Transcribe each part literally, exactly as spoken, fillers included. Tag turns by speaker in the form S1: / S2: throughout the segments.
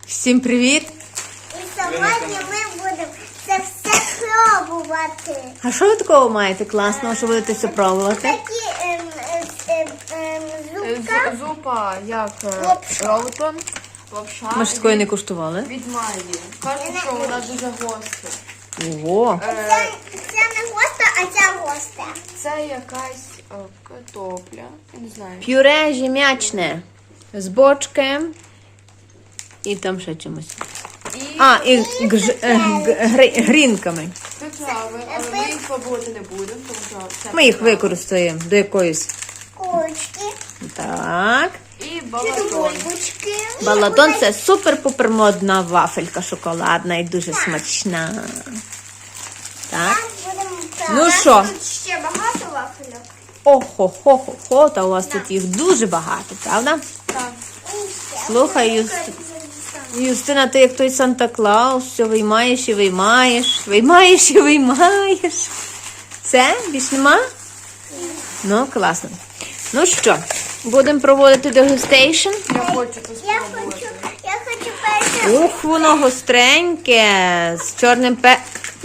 S1: Всім привіт!
S2: І сьогодні ми будемо це все пробувати.
S1: А що ви такого маєте класного, що будете це пробувати?
S2: Такі ем, ем, ем, зубка.
S3: З- Зупа, як е,
S2: Лапша.
S3: Ролтон, лапша
S1: Ми ж такої не куштували.
S3: від Майї. Кажуть, що вона дуже гостра.
S1: Ого!
S2: Це, це не гостя, а ця гостя.
S3: Це якась е, картопля, я не знаю.
S1: Пюре жім'ячне з бочки і там ще чимось.
S3: І
S1: А, і гж, е, г- гри- грінками.
S3: приправи, але ми їх пробувати не будемо, тому що це
S1: Ми їх
S3: приправи.
S1: використаємо до якоїсь.
S2: Курочки.
S1: Так.
S3: І балатон.
S2: Бульбочки.
S1: Балатон – це супер-пупер модна вафелька шоколадна і дуже смачна. Так. Ну що?
S2: Тут ще багато вафельок.
S1: Охо-хо-хо-хо, та у вас тут їх дуже багато, правда?
S3: Так.
S1: Слухай, Юст... Юстина, ти як той Санта-Клаус, все виймаєш і виймаєш, виймаєш і виймаєш. Це? Більш нема? Ну, класно. Ну що, будемо проводити дегустейшн?
S3: Я хочу це
S2: Я
S3: спробувати.
S2: хочу, я хочу перше.
S1: Ух, воно гостреньке, з чорним пе...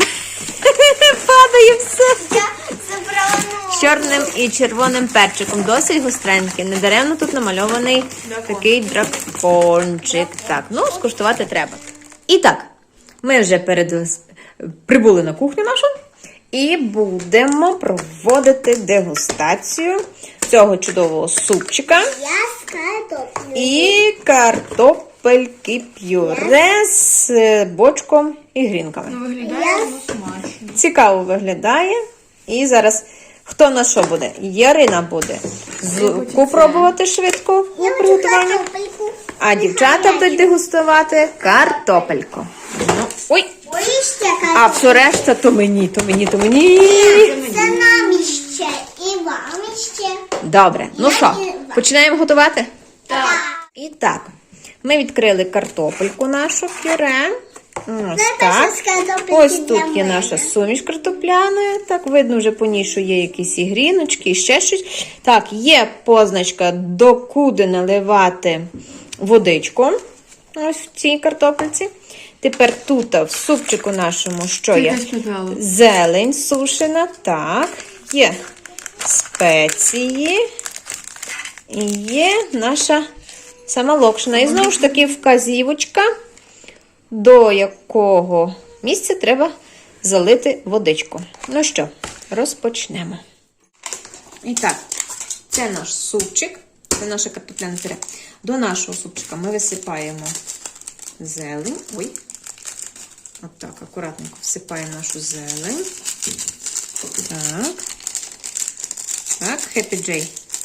S1: Падає все.
S2: Я забрала ногу.
S1: З чорним і червоним перчиком. Досить гостренький. Недаремно тут намальований такий дракончик. Так, ну, скуштувати треба. І так, ми вже перед... прибули на кухню нашу і будемо проводити дегустацію цього чудового супчика
S2: Я з картоплею.
S1: і картопельки пюре з бочком і грінками.
S3: Ну, виглядає воно смачно.
S1: Цікаво виглядає. І зараз хто на що буде? Ярина буде зубку пробувати швидко у
S2: Я хочу
S1: приготуванні,
S2: картопельку.
S1: а дівчата будуть дегустувати картопельку. Ну, ой,
S2: Ой, ще
S1: а
S2: картопельку.
S1: все решта то мені, то мені, то мені.
S2: Це нам іще і вам іще.
S1: Добре, ну що, починаємо готувати?
S2: Так.
S1: І так, ми відкрили картопельку нашу пюре. Ось
S2: Це
S1: так.
S2: теж з картопельки
S1: Ось
S2: для
S1: тут є
S2: мене.
S1: наша суміш картопляна. Так, видно вже по ній, що є якісь і гріночки, і ще щось. Так, є позначка, докуди наливати водичку. Ось в цій картопельці. Тепер тут, в супчику нашому, що є? Зелень сушена. Так, є спеції. І є наша сама локшина. І знову ж таки вказівочка, до якого місця треба залити водичку. Ну що, розпочнемо. І так, це наш супчик, це наша картопляна пюре. До нашого супчика ми висипаємо зелень. Ой, отак, акуратненько всипаємо нашу зелень. Так. Так, Happy J.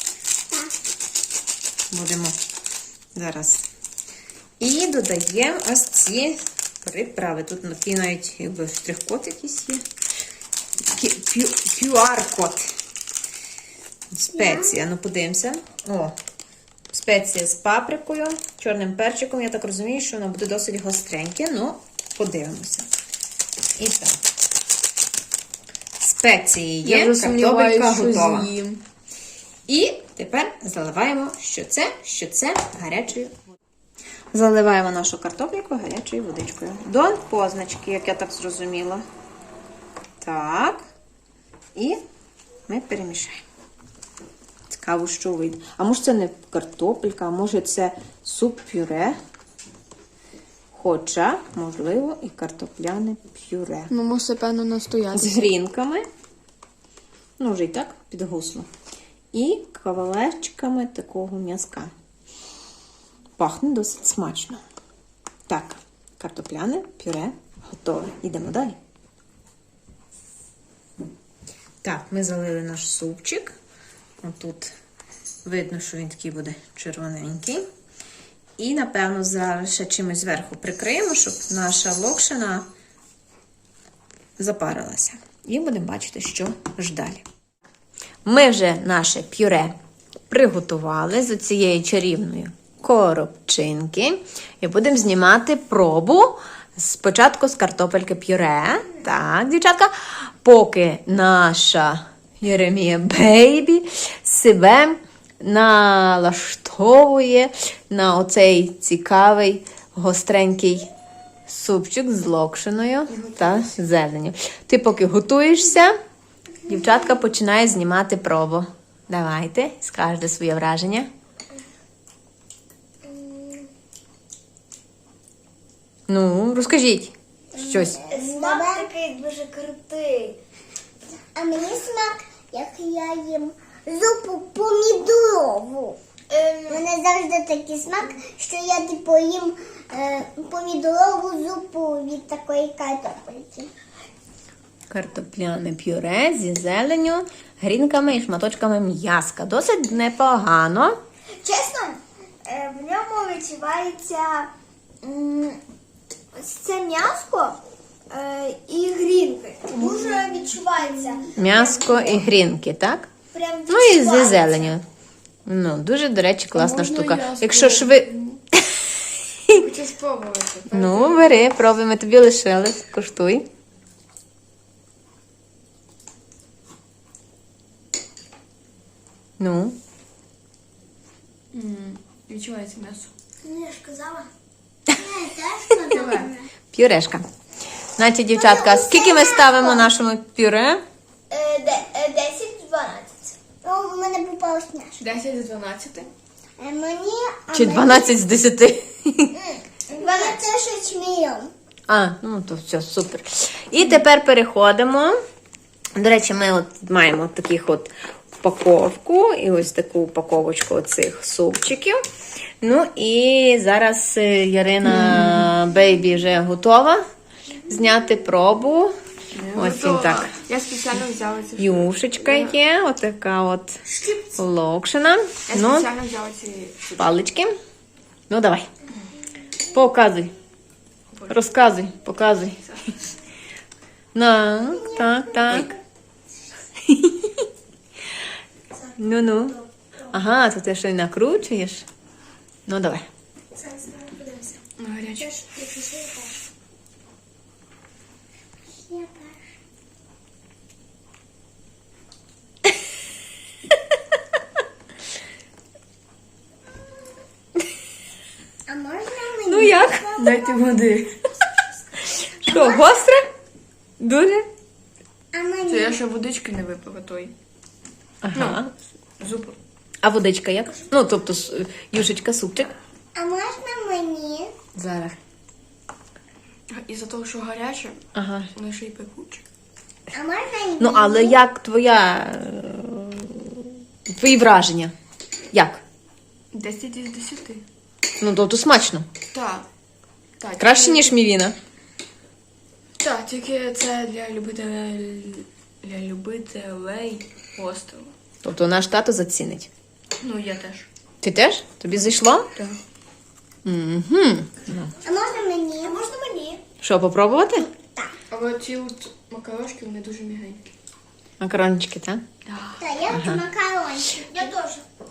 S1: Будемо зараз. І додаємо ось ці приправи. Тут такий навіть якби штрих-код якийсь є. кю ар-код. Спеція. Ну, подивимося. О, спеція з паприкою, чорним перчиком. Я так розумію, що воно буде досить гостреньке. Ну, подивимося. І так. Спеції є,
S3: Я вже
S1: картопелька
S3: сумніваюся, що
S1: готова.
S3: з'їм.
S1: І тепер заливаємо, що це, що це гарячою водою. Заливаємо нашу картопельку гарячою водичкою. До позначки, як я так зрозуміла. Так. І ми перемішаємо. Цікаво, що вийде. А може це не картопелька, а може це суп-пюре. Хоча, можливо, і картопляне пюре.
S3: Ну, мусить, певно,
S1: З
S3: настояти.
S1: грінками. Ну, вже і так підгусло. І кавалерчиками такого м'язка. Пахне досить смачно. Так, картопляне пюре готове. Йдемо далі. Так, ми залили наш супчик. Отут видно, що він такий буде червоненький. І, напевно, зараз ще чимось зверху прикриємо, щоб наша локшина запарилася. І будемо бачити, що ж далі. Ми вже наше пюре приготували з цієї чарівної коробчинки. І будемо знімати пробу спочатку з картопельки пюре. Так, дівчатка, поки наша Єремія Бейбі себе налаштовує на оцей цікавий гостренький супчик з локшиною та зеленню. Ти поки готуєшся, дівчатка починає знімати пробу. Давайте, скажете своє враження. Ну, розкажіть щось.
S2: Смак такий дуже крутий. А мені смак, як я їм зупу помідорову. У мене завжди такий смак, що я типу їм е, помідорову зупу від такої картопельки.
S1: Картопляне пюре зі зеленю, грінками і шматочками м'яска. Досить непогано.
S2: Чесно, е, в ньому відчувається м, ось це м'ясо е, і грінки. Дуже відчувається.
S1: М'яско і грінки, так?
S2: Прям
S1: Ну і зі
S2: відчувається.
S1: зеленю. Ну, дуже, до речі, класна
S3: Можна
S1: штука.
S3: я
S1: Якщо ж ви...
S3: Хочу спробувати.
S1: Ну, бери, пробуй, ми тобі лишили. Коштуй. Ну,
S3: М, Відчувається м'ясо.
S2: Ну, я ж казала. Я теж казала.
S1: пюрешка. Значить, дівчатка, скільки ми ставимо нашому пюре?
S2: Е, де- е, десять дванадцять. О, в мене попалась м'ясо.
S3: десять з дванадцяти.
S2: Е, Мені... а
S1: Чи
S2: мені-
S1: дванадцять з десяти?
S2: дванадцять з чмієм.
S1: А, ну то все, супер. І тепер переходимо. До речі, ми от маємо таких от упаковку і ось таку упаковочку оцих супчиків. Ну і зараз е, Ярина Бейбі вже готова зняти пробу. Ось він так.
S3: Я спеціально взяла ці
S1: Юшечка є, отака от локшина.
S3: Я
S1: Ну,
S3: спеціально взяла ці
S1: палички. Ну, давай. Показуй. Розказуй, показуй. На, так, так. Ну-ну. Ага, то ти ще й накручуєш. Ну, давай.
S3: на гарячу.
S2: А можна мені?
S1: Ну як?
S3: Дайте води.
S1: Що, гостре? Дуже?
S2: А мені?
S3: Це я ще водички не випила той.
S1: Ага.
S3: Зупу.
S1: А водичка як? Ну, тобто, с- юшечка, супчик.
S2: А можна мені?
S1: Зараз.
S3: Із-за того, що гаряче,
S1: Ага.
S3: воно ще й пекуче.
S2: А можна мені?
S1: Ну, але як твоя... е, твої враження? Як?
S3: десять із десяти.
S1: Ну, тобто смачно.
S3: Так. Так,
S1: Краще,
S3: тільки-
S1: ніж мівіна.
S3: Так, тільки це для любителей, для любителей гострого.
S1: Тобто наш тато зацінить.
S3: Ну, я теж.
S1: Ти теж? Тобі зайшло?
S3: Так.
S1: Угу.
S2: А можна мені? А можна мені?
S1: Що, попробувати?
S3: Але ці от макарошки, вони дуже м'ягенькі.
S1: Макарончики, так?
S3: Так.
S2: Так, я хочу макарончик. Я теж.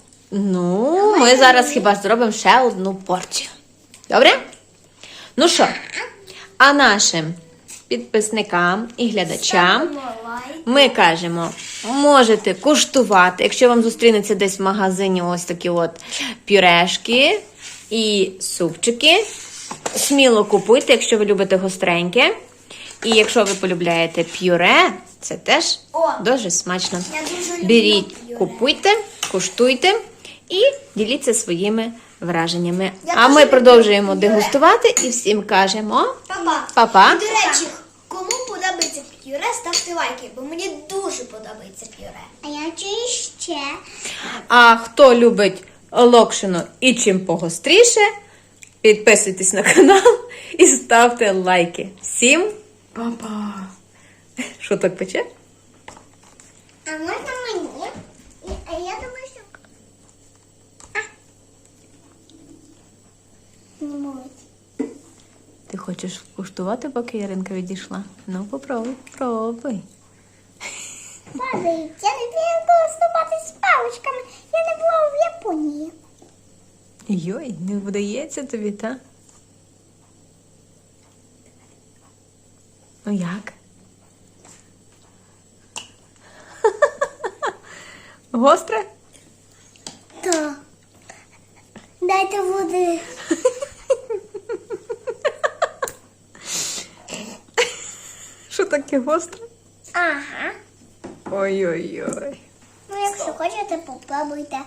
S1: Ну, ми зараз хіба зробимо ще одну порцію. Добре? Ну що, а нашим підписникам і глядачам ми кажемо, можете куштувати, якщо вам зустрінеться десь в магазині ось такі от пюрешки і супчики. Сміло купуйте, якщо ви любите гостреньке. І якщо ви полюбляєте пюре, це теж
S2: О!
S1: дуже смачно.
S2: Я дуже люблю
S1: Беріть,
S2: пюре.
S1: купуйте, куштуйте і діліться своїми враженнями.
S2: Я
S1: А
S2: дуже
S1: ми
S2: люблю
S1: продовжуємо
S2: пюре.
S1: дегустувати і всім кажемо
S2: Папа.
S1: па-па.
S2: І, до речі, кому подобається пюре, ставте лайки, бо мені дуже подобається пюре. А я чую ще.
S1: А хто любить локшину і чим погостріше, підписуйтесь на канал і ставте лайки. Всім,
S3: Папа.
S1: що так пече?
S2: А можна мені? І- А я думаю, що... А. Не можуть.
S1: Ти хочеш куштувати, поки Яринка відійшла? Ну, попробуй, пробуй.
S2: Падають. Я не вмію користуватись паличками. Я не була в Японії.
S1: Йой, не вдається тобі, та? Ну як? Гостре?
S2: Так. Дайте води.
S1: Що таке гостре?
S2: Ага.
S1: Ой-ой-ой.
S2: Ну, якщо хочете, попробуйте.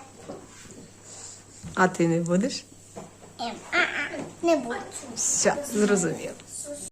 S1: А ти не будеш?
S2: Ем, а-а, не буду.
S1: Все, зрозуміло.